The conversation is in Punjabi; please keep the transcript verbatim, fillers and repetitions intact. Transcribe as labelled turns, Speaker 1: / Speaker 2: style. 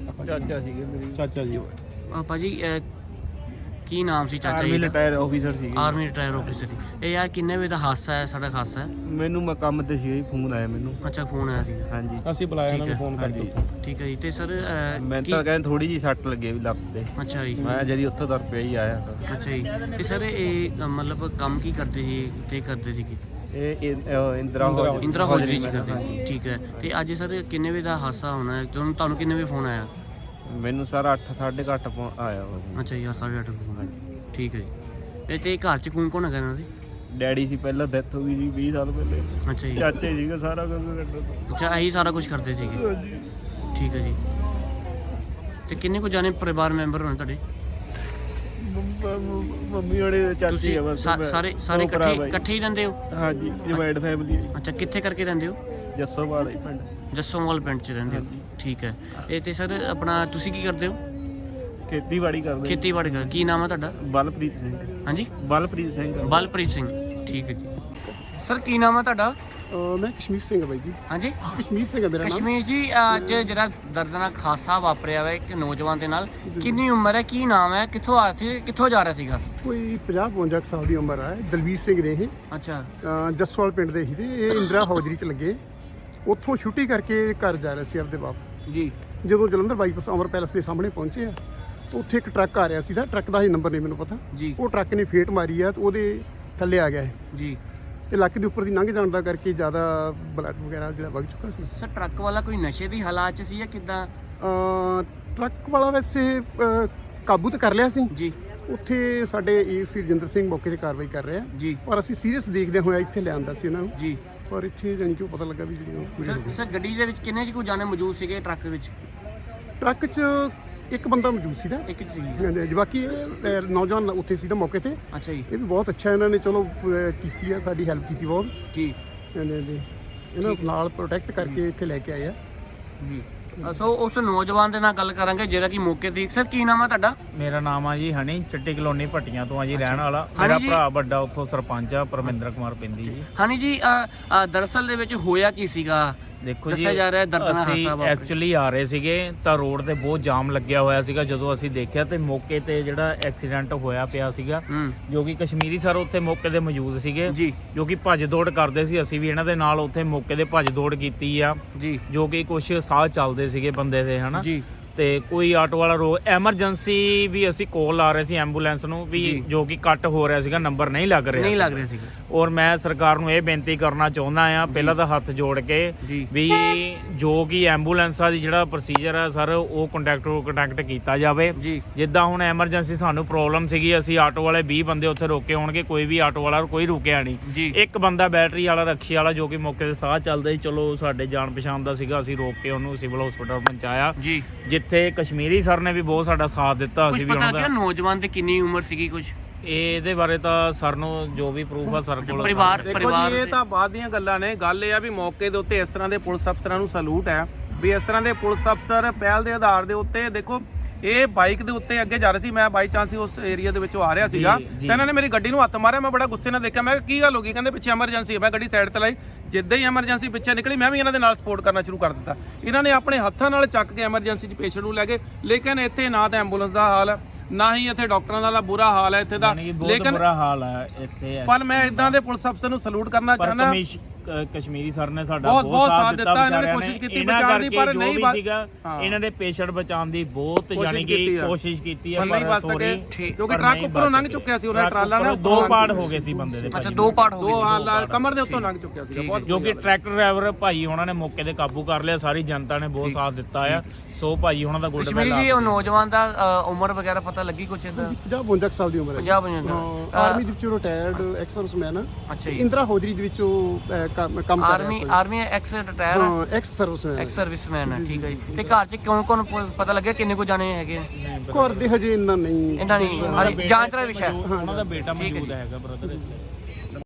Speaker 1: ਚਾਚਾ ਸੀਗੇ ਮੇਰੇ ਚਾਚਾ ਜੀ।
Speaker 2: ਭਾਜੀ ਕੀ ਨਾਮ ਸੀ ਚਾਚਾ ਜੀ
Speaker 1: ਆਰਮੀ
Speaker 2: ਦਾ?
Speaker 1: ਰਿਟਾਇਰ ਆਫੀਸਰ ਸੀਗੇ।
Speaker 2: ਆਰਮੀ ਰਿਟਾਇਰ ਆਫੀਸਰ ਸੀ। ਇਹ ਯਾਰ ਕਿੰਨੇ ਵਜੇ ਦਾ ਹਾਦਸਾ ਹੈ? ਸਾਡਾ ਹਾਦਸਾ ਹੈ
Speaker 1: ਮੈਨੂੰ ਮੈਂ ਕੰਮ ਤੇ ਸੀ, ਫੋਨ ਆਇਆ ਮੈਨੂੰ।
Speaker 2: ਅੱਛਾ ਫੋਨ ਆਇਆ ਸੀ।
Speaker 1: ਹਾਂਜੀ
Speaker 3: ਅਸੀਂ ਬੁਲਾਇਆ ਇਹਨਾਂ ਨੂੰ ਫੋਨ ਕਰਕੇ।
Speaker 2: ਠੀਕ ਹੈ ਜੀ। ਤੇ ਸਰ
Speaker 1: ਮੈਂ ਤਾਂ ਕਹਿੰਦਾ ਥੋੜੀ ਜੀ ਸੱਟ ਲੱਗੇ ਵੀ ਲੱਕ ਤੇ।
Speaker 2: ਅੱਛਾ ਜੀ।
Speaker 1: ਮੈਂ ਜਦੀ ਉੱਥੋਂ ਤੁਰ ਪਿਆ ਹੀ ਆਇਆ ਤਾਂ।
Speaker 2: ਅੱਛਾ ਜੀ। ਤੇ ਸਰ ਇਹ ਮਤਲਬ ਕੰਮ ਕੀ ਕਰਦੇ ਸੀ ਤੇ ਕਰਦੇ ਸੀਗੇ?
Speaker 1: ਇਹ ਇੰਦਰਾ
Speaker 2: ਇੰਦਰਾ ਹੌਜਰੀ ਚ ਕਰਦੇ। ਠੀਕ ਹੈ। ਤੇ ਅੱਜ ਸਰ ਕਿੰਨੇ ਵਜੇ ਦਾ ਹਾਦਸਾ ਹੋਣਾ ਹੈ? ਤੁਹਾਨੂੰ ਤੁਹਾਨੂੰ ਕਿੰਨੇ ਵਜੇ ਫੋਨ ਆਇਆ?
Speaker 1: ਮੈਨੂੰ ਸਰ ਅੱਠ ਸਾਢੇ ਕੁ ਅੱਠ ਆਇਆ ਵਾ।
Speaker 2: ਅੱਛਾ ਯਾਰ ਸਾਢੇ ਅੱਠ ਫੋਨ। ਠੀਕ ਹੈ ਜੀ। ਤੇ ਘਰ ਚ ਕੌਣ ਕੌਣ ਹੈਗਾ ਇਹਨਾਂ ਦੇ?
Speaker 1: ਡੈਡੀ ਸੀ ਪਹਿਲਾਂ, ਡੈਥ ਹੋ ਗਈ ਜੀ ਵੀਹ ਸਾਲ ਪਹਿਲੇ।
Speaker 2: ਅੱਛਾ ਜੀ।
Speaker 1: ਚਾਚੇ ਸੀਗਾ ਸਾਰਾ ਕੁਝ ਕਰਦਾ।
Speaker 2: ਅੱਛਾ ਇਹੀ ਸਾਰਾ ਕੁਝ ਕਰਦੇ ਸੀਗੇ। ਠੀਕ ਹੈ ਜੀ। ਤੇ ਕਿੰਨੇ ਕੁ ਜਾਣੇ ਪਰਿਵਾਰ ਮੈਂਬਰ ਹੋਣੇ ਤੁਹਾਡੇ?
Speaker 1: ਮੰਮੀ ਹੋਣੇ, ਚਾਚੀ
Speaker 2: ਤੁਸੀਂ
Speaker 1: ਆ ਬਸ।
Speaker 2: ਸਾਰੇ ਸਾਰੇ ਇਕੱਠੇ ਇਕੱਠੇ ਹੀ ਰਹਿੰਦੇ ਹੋ?
Speaker 1: ਹਾਂਜੀ ਜੁਆਇੰਟ ਫੈਮਿਲੀ।
Speaker 2: ਅੱਛਾ ਕਿੱਥੇ ਕਰਕੇ ਰਹਿੰਦੇ ਹੋ?
Speaker 1: ਜੱਸੋਵਾਲ ਹੀ ਪਿੰਡ।
Speaker 2: ਜੱਸੋਵਾਲ ਪਿੰਡ 'ਚ ਰਹਿੰਦੇ ਹੋ। ਠੀਕ ਹੈ। ਇਹ ਤੇ ਸਰ ਆਪਣਾ ਤੁਸੀਂ ਕੀ ਕਰਦੇ ਹੋ?
Speaker 1: ਖੇਤੀਬਾੜੀ ਕਰਦੇ।
Speaker 2: ਖੇਤੀਬਾੜੀ ਕਰ। ਕੀ ਨਾਮ ਹੈ ਤੁਹਾਡਾ?
Speaker 1: ਬਲਪ੍ਰੀਤ ਸਿੰਘ।
Speaker 2: ਹਾਂਜੀ
Speaker 1: ਬਲਪ੍ਰੀਤ ਸਿੰਘ।
Speaker 2: ਬਲਪ੍ਰੀਤ ਸਿੰਘ। ਠੀਕ ਹੈ ਜੀ। ਸਰ ਕੀ ਨਾਮ ਹੈ ਤੁਹਾਡਾ?
Speaker 3: ਮੈਂ ਕਸ਼ਮੀਰ ਸਿੰਘ ਬਾਈ ਜੀ।
Speaker 2: ਹਾਂਜੀ
Speaker 3: ਕਸ਼ਮੀਰ ਸਿੰਘ ਹੈ ਮੇਰਾ ਨਾਮ।
Speaker 2: ਕਸ਼ਮੀਰ ਜੀ ਅੱਜ ਜਿਹੜਾ ਦਰਦਨਾਕ ਹਾਦਸਾ ਵਾਪਰਿਆ ਵਾ ਇੱਕ ਨੌਜਵਾਨ ਦੇ ਨਾਲ, ਕਿੰਨੀ ਉਮਰ ਹੈ, ਕੀ ਨਾਮ ਹੈ, ਕਿੱਥੋਂ ਆ ਸੀ, ਕਿੱਥੋਂ ਜਾ ਰਿਹਾ ਸੀਗਾ?
Speaker 3: ਕੋਈ ਪੰਜਾਹ ਬਵੰਜਾ ਸਾਲ ਦੀ ਉਮਰ ਹੈ। ਦਲਵੀਰ ਸਿੰਘ ਨੇ ਇਹ।
Speaker 2: ਅੱਛਾ
Speaker 3: ਜਸਵਾਲ ਪਿੰਡ ਦੇ ਸੀ ਤੇ ਇਹ ਇੰਦਰਾ ਹੌਜਰੀ ਚ ਲੱਗੇ। ਉੱਥੋਂ ਛੁੱਟੀ ਕਰਕੇ ਘਰ ਜਾ ਰਹੇ ਸੀ ਆਪਦੇ ਵਾਪਸ
Speaker 2: ਜੀ।
Speaker 3: ਜਦੋਂ ਜਲੰਧਰ ਬਾਈਪਾਸ ਅਮਰ ਪੈਲਸ ਦੇ ਸਾਹਮਣੇ ਪਹੁੰਚੇ ਆ ਤਾਂ ਉੱਥੇ ਇੱਕ ਟਰੱਕ ਆ ਰਿਹਾ ਸੀ ਦਾ। ਟਰੱਕ ਦਾ ਇਹ ਨੰਬਰ ਨਹੀਂ ਮੈਨੂੰ ਪਤਾ
Speaker 2: ਜੀ।
Speaker 3: ਉਹ ਟਰੱਕ ਨੇ ਫੇਟ ਮਾਰੀ ਆ ਤੇ ਉਹਦੇ ਥੱਲੇ ਆ ਗਿਆ
Speaker 2: ਜੀ।
Speaker 3: ਤੇ ਲੱਕ ਦੇ ਉੱਪਰ ਦੀ ਲੰਘ ਜਾਣ ਦਾ ਕਰਕੇ ਜ਼ਿਆਦਾ ਬਲੱਡ ਵਗੈਰਾ ਜਿਹੜਾ ਵਗ ਚੁੱਕਾ ਸੀ।
Speaker 2: ਸਰ ਟਰੱਕ ਵਾਲਾ ਕੋਈ ਨਸ਼ੇ ਦੀ ਹਾਲਾਤ 'ਚ ਸੀ ਜਾਂ ਕਿੱਦਾਂ?
Speaker 3: ਟਰੱਕ ਵਾਲਾ ਵੈਸੇ ਅਹ, ਕਾਬੂ ਤਾਂ ਕਰ ਲਿਆ ਸੀ।
Speaker 2: ਜੀ।
Speaker 3: ਉੱਥੇ ਸਾਡੇ ਏਸੀ ਰਜਿੰਦਰ ਸਿੰਘ ਮੌਕੇ ਤੇ ਕਾਰਵਾਈ ਕਰ ਰਹੇ ਆ
Speaker 2: ਜੀ।
Speaker 3: ਪਰ ਅਸੀਂ ਸੀਰੀਅਸ ਦੇਖਦੇ ਹੋਇਆ ਇੱਥੇ ਲਿਆਂਦਾ ਸੀ ਇਹਨਾਂ ਨੂੰ।
Speaker 2: ਜੀ।
Speaker 3: ਪਰ ਇੱਥੇ ਜਾਣੀ ਕਿ ਉਹ ਪਤਾ ਲੱਗਾ ਵੀ ਜਿਹੜੀ
Speaker 2: ਸਰ ਸਰ ਗੱਡੀ ਦੇ ਵਿੱਚ ਕਿੰਨੇ ਕੁ ਜਾਣੇ ਮੌਜੂਦ ਸੀਗੇ ਟਰੱਕ ਦੇ ਵਿੱਚ?
Speaker 3: ਟਰੱਕ 'ਚ ਇੱਕ ਬੰਦਾ ਮੌਜੂਦ ਸੀ ਨਾ।
Speaker 2: ਇੱਕ ਸੀ।
Speaker 3: ਹਾਂਜੀ ਬਾਕੀ ਇਹ ਨੌਜਵਾਨ ਉੱਥੇ ਸੀ ਤਾਂ ਮੌਕੇ ਤੇ।
Speaker 2: ਅੱਛਾ ਜੀ।
Speaker 3: ਇਹ ਵੀ ਬਹੁਤ ਅੱਛਾ ਇਹਨਾਂ ਨੇ ਚਲੋ ਅਹ, ਕੀਤੀ ਆ, ਸਾਡੀ ਹੈਲਪ ਕੀਤੀ ਬਹੁਤ।
Speaker 2: ਜੀ।
Speaker 3: ਹਾਂਜੀ ਹਾਂਜੀ ਇਹਨਾਂ ਨੂੰ ਨਾਲ ਪ੍ਰੋਟੈਕਟ ਕਰਕੇ ਇੱਥੇ ਲੈ ਕੇ ਆਏ ਆ
Speaker 2: ਜੀ। ਸੋ ਉਸ ਨੌਜਵਾਨ ਦੇ ਨਾਲ ਗੱਲ ਕਰਾਂਗੇ ਜਿਹੜਾ ਕਿ ਮੌਕੇ ਤੇ। ਸਰ ਕੀ ਨਾਮ ਹੈ ਤੁਹਾਡਾ?
Speaker 4: ਮੇਰਾ ਨਾਮ ਆ ਜੀ ਹਨੀ, ਚਿੱਟੀ ਕਲੋਨੀ ਭੱਟੀਆਂ ਤੋਂ ਆ ਜੀ ਰਹਿਣ ਵਾਲਾ।
Speaker 2: ਹਨੀ
Speaker 4: ਮੇਰਾ
Speaker 2: ਜੀ।
Speaker 4: ਭਰਾ ਵੱਡਾ ਉੱਥੋਂ ਸਰਪੰਚ ਆ, ਪਰਮਿੰਦਰ ਕੁਮਾਰ ਪਿੰਦੀ ਜੀ।
Speaker 2: ਹਨੀ ਜੀ ਅ, ਅ, ਦਰਅਸਲ ਦੇ ਵਿੱਚ ਹੋਇਆ ਕੀ ਸੀਗਾ?
Speaker 4: ਦੇਖੋ ਜੀ
Speaker 2: ਦੱਸਿਆ ਜਾ ਰਿਹਾ ਦਰਦਨਾਕ
Speaker 4: ਅਸੀਂ
Speaker 2: ਹਾਦਸਾ ਵਾਪਰਿਆ।
Speaker 4: ਐਕਚੁਅਲੀ ਆ ਰਹੇ ਸੀਗੇ ਤਾਂ ਰੋਡ ਤੇ ਬਹੁਤ ਜਾਮ ਲੱਗਿਆ ਹੋਇਆ ਸੀਗਾ। ਜਦੋਂ ਅਸੀਂ ਦੇਖਿਆ ਤੇ ਮੌਕੇ ਤੇ ਜਿਹੜਾ ਐਕਸੀਡੈਂਟ ਹੋਇਆ ਪਿਆ ਸੀਗਾ,
Speaker 2: ਹੂੰ।
Speaker 4: ਜੋ ਕਿ ਕਸ਼ਮੀਰੀ ਸਰ ਉੱਥੇ ਮੌਕੇ ਤੇ ਮੌਜੂਦ ਸੀਗੇ,
Speaker 2: ਜੀ।
Speaker 4: ਜੋ ਕਿ ਭੱਜ ਦੌੜ ਕਰਦੇ ਸੀ। ਅਸੀਂ ਵੀ ਇਹਨਾਂ ਦੇ ਨਾਲ ਉੱਥੇ ਮੌਕੇ ਤੇ ਭੱਜ ਦੌੜ ਕੀਤੀ ਆ,
Speaker 2: ਜੀ।
Speaker 4: ਜੋ ਕਿ ਕੁਝ ਸਾਹ ਚੱਲਦੇ ਸੀਗੇ ਬੰਦੇ ਦੇ, ਹਨਾ।
Speaker 2: ਜੀ।
Speaker 4: ਤੇ ਕੋਈ ਆਟੋ ਵਾਲਾ ਰੋ ਐਮਰਜੈਂਸੀ ਵੀ ਅਸੀਂ ਕੋਲ ਲਾ ਰਹੇ ਸੀ ਐਂਬੂਲੈਂਸ ਨੂੰ ਵੀ, ਜੋ ਕਿ ਕੱਟ ਹੋ ਰਿਹਾ ਸੀਗਾ, ਨੰਬਰ ਨਹੀਂ ਲੱਗ ਰਿਹਾ
Speaker 2: ਨਹੀਂ ਲੱਗ ਰਿਹਾ ਸੀਗਾ।
Speaker 4: ਔਰ ਮੈਂ ਸਰਕਾਰ ਨੂੰ ਇਹ ਬੇਨਤੀ ਕਰਨਾ ਚਾਹੁੰਦਾ ਆ ਪਹਿਲਾਂ ਤਾਂ ਹੱਥ ਜੋੜ ਕੇ ਵੀ ਜੋ ਕਿ ਐਂਬੂਲੈਂਸਾਂ ਦੀ ਜਿਹੜਾ ਪ੍ਰੋਸੀਜਰ ਹੈ ਸਰ ਉਹ ਕੰਟੈਕਟ ਕੰਟੈਕਟ ਕੀਤਾ ਜਾਵੇ। ਜਿੱਦਾਂ ਹੁਣ ਐਮਰਜੈਂਸੀ ਸਾਨੂੰ ਪ੍ਰੋਬਲਮ ਸੀਗੀ, ਅਸੀਂ ਆਟੋ ਵਾਲੇ ਵੀਹ ਬੰਦੇ ਉੱਥੇ ਰੋਕੇ ਹੋਣਗੇ, ਕੋਈ ਵੀ ਆਟੋ ਵਾਲਾ ਕੋਈ ਰੁਕਿਆ ਨਹੀਂ। ਇੱਕ ਬੰਦਾ ਬੈਟਰੀ ਵਾਲਾ ਰਕਸ਼ੇ ਵਾਲਾ ਜੋ ਕਿ ਮੌਕੇ ਤੇ ਸਾਹ ਚੱਲਦਾ ਸੀ, ਚਲੋ ਸਾਡੇ ਜਾਣ ਪਛਾਣ ਦਾ ਸੀਗਾ, ਅਸੀਂ ਰੋਕ ਕੇ ਉਹਨੂੰ ਸਿਵਲ ਹਸਪੀਟਲ ਪਹੁੰਚਾਇਆ, ਜਿੱਥੇ ਕਸ਼ਮੀਰੀ ਸਰ ਨੇ ਵੀ ਬਹੁਤ ਸਾਡਾ ਸਾਥ ਦਿੱਤਾ। ਅਸੀਂ ਵੀ ਉਹਨਾਂ ਦਾ।
Speaker 2: ਨੌਜਵਾਨ ਦੀ ਕਿੰਨੀ ਉਮਰ ਸੀਗੀ ਕੁਝ
Speaker 4: ਇਹਦੇ ਬਾਰੇ ਤਾਂ ਸਰ ਨੂੰ ਜੋ ਵੀ ਪ੍ਰੂਫ ਆ ਸਰ ਕੋਲ।
Speaker 2: ਪਰਿਵਾਰ
Speaker 1: ਦੇਖੋ ਜੀ ਇਹ ਤਾਂ ਬਾਅਦ ਦੀਆਂ ਗੱਲਾਂ ਨੇ। ਗੱਲ ਇਹ ਆ ਵੀ ਮੌਕੇ ਦੇ ਉੱਤੇ ਇਸ ਤਰ੍ਹਾਂ ਦੇ ਪੁਲਿਸ ਅਫਸਰਾਂ ਨੂੰ ਸਲੂਟ ਹੈ ਵੀ ਇਸ ਤਰ੍ਹਾਂ ਦੇ ਪੁਲਿਸ ਅਫਸਰ ਪਹਿਲ ਦੇ ਆਧਾਰ ਦੇ ਉੱਤੇ। ਦੇਖੋ ਇਹ ਬਾਈਕ ਦੇ ਉੱਤੇ ਅੱਗੇ ਜਾ ਰਹੇ ਸੀ, ਮੈਂ ਬਾਈ ਚਾਂਸ ਉਸ ਏਰੀਆ ਦੇ ਵਿੱਚੋਂ ਆ ਰਿਹਾ ਸੀਗਾ ਤੇ ਇਹਨਾਂ ਨੇ ਮੇਰੀ ਗੱਡੀ ਨੂੰ ਹੱਥ ਮਾਰਿਆ। ਮੈਂ ਬੜਾ ਗੁੱਸੇ ਨਾਲ ਦੇਖਿਆ, ਮੈਂ ਕਿਹਾ ਕੀ ਗੱਲ ਹੋ ਗਈ? ਕਹਿੰਦੇ ਪਿੱਛੇ ਐਮਰਜੈਂਸੀ ਹੈ। ਮੈਂ ਗੱਡੀ ਸਾਈਡ ਤੇ ਲਾਈ, ਜਿੱਦਾਂ ਹੀ ਐਮਰਜੈਂਸੀ ਪਿੱਛੇ ਨਿਕਲੀ ਮੈਂ ਵੀ ਇਹਨਾਂ ਦੇ ਨਾਲ ਸਪੋਰਟ ਕਰਨਾ ਸ਼ੁਰੂ ਕਰ ਦਿੱਤਾ। ਇਹਨਾਂ ਨੇ ਆਪਣੇ ਹੱਥਾਂ ਨਾਲ ਚੱਕ ਕੇ ਐਮਰਜੈਂਸੀ 'ਚ ਪੇਸ਼ੈਂਟ ਨੂੰ ਲੈ ਗਏ, ਲੇਕਿਨ ਇੱਥੇ ਨਾ ਤਾਂ ਐਂਬੂਲੈਂਸ ਦਾ ਹਾਲ ਹੈ, ਨਾ ਹੀ ਇੱਥੇ ਡਾਕਟਰਾਂ ਦਾ ਬੁਰਾ ਹਾਲ ਹੈ ਇੱਥੇ ਦਾ।
Speaker 4: ਲੇਕਿਨ ਬੁਰਾ ਹਾਲ ਹੈ ਇੱਥੇ।
Speaker 1: ਪਰ ਮੈਂ ਇਦਾਂ ਦੇ ਪੁਲਿਸ ਅਫਸਰ ਨੂੰ ਸਲੂਟ ਕਰਨਾ ਚਾਹੁੰਦਾ।
Speaker 4: ਕਸ਼ਮੀਰੀ ਸਰ ਨੇ ਸਾਡਾ
Speaker 1: ਬਹੁਤ ਬਹੁਤ ਸਾਥ ਦਿੱਤਾ, ਇਹਨਾਂ ਨੇ ਕੋਸ਼ਿਸ਼ ਕੀਤੀ ਬਚਾਉਣ ਦੀ, ਪਰ ਨਹੀਂ
Speaker 4: ਸੀਗਾ। ਇਹਨਾਂ ਦੇ ਪੇਸ਼ੈਂਟ ਬਚਾਉਣ ਦੀ ਬਹੁਤ ਯਾਨੀ ਕਿ ਕੋਸ਼ਿਸ਼ ਕੀਤੀ ਹੈ, ਪਰ ਸੋਰੀ
Speaker 1: ਕਿਉਂਕਿ ਟਰੱਕ ਉੱਪਰੋਂ ਲੰਘ ਚੁੱਕਿਆ ਸੀ, ਉਹਨਾਂ ਟਰਾਲਾ ਨਾਲ
Speaker 4: ਦੋ ਪਾਰਟ ਹੋ ਗਏ ਸੀ ਬੰਦੇ ਦੇ।
Speaker 2: ਅੱਛਾ ਦੋ ਪਾਰਟ ਹੋ ਗਏ,
Speaker 1: ਦੋ ਹਾਲ ਕਮਰ ਦੇ ਉੱਤੋਂ ਲੰਘ ਚੁੱਕਿਆ ਸੀ ਬਹੁਤ।
Speaker 4: ਜੋ ਕਿ ਟਰੱਕ ਡਰਾਈਵਰ ਭਾਈ ਉਹਨਾਂ ਨੇ ਮੌਕੇ ਤੇ ਕਾਬੂ ਕਰ ਲਿਆ, ਸਾਰੀ ਜਨਤਾ ਨੇ ਬਹੁਤ ਸਾਥ ਦਿੱਤਾ ਆ। ਸੋ ਭਾਈ ਉਹਨਾਂ ਦਾ ਗੁੱਡ
Speaker 2: ਕਸ਼ਮੀਰੀ ਜੀ ਉਹ ਨੌਜਵਾਨ ਦਾ ਉਮਰ ਵਗੈਰਾ ਪਤਾ ਲੱਗੀ ਕੁਛ ਇਦਾਂ?
Speaker 3: ਪੰਜਾਹ ਬਵੰਜਾ ਸਾਲ ਦੀ ਉਮਰ ਹੈ।
Speaker 2: ਪੰਜਾਹ ਬਵੰਜਾ
Speaker 3: ਆਰਮੀ ਦੇ ਵਿੱਚੋਂ ਰਿਟਾਇਰਡ ਐਕਸ ਸਰਵਿਸਮੈਨ ਆ।
Speaker 2: ਅੱਛਾ ਜੀ।
Speaker 3: ਇੰਦਰਾ ਹੌਜਰੀ ਦੇ ਵਿੱਚੋਂ ਕੰਮ ਕਰ ਰਿਹਾ।
Speaker 2: ਆਰਮੀ ਆਰਮੀ ਐਕਸ ਰਿਟਾਇਰ ਹੈ।
Speaker 3: ਹਾਂ ਐਕਸ ਸਰਵਿਸਮੈਨ
Speaker 2: ਐਕਸ ਸਰਵਿਸਮੈਨ ਹੈ। ਠੀਕ ਹੈ ਜੀ। ਤੇ ਘਰ 'ਚ ਕੌਣ ਕੌਣ ਪਤਾ ਲੱਗਿਆ ਕਿੰਨੇ ਕੋ ਜਾਣੇ ਹੈਗੇ?
Speaker 3: ਘਰ ਦੇ ਹਜੇ ਇੰਨਾ ਨਹੀਂ
Speaker 2: ਇਹਨਾਂ ਨਹੀਂ ਜਾਂਚ ਦਾ ਵਿਸ਼ਾ।
Speaker 4: ਉਹਨਾਂ ਦਾ ਬੇਟਾ ਮੌਜੂਦ ਹੈਗਾ ਬ੍ਰਦਰ ਇੱਥੇ।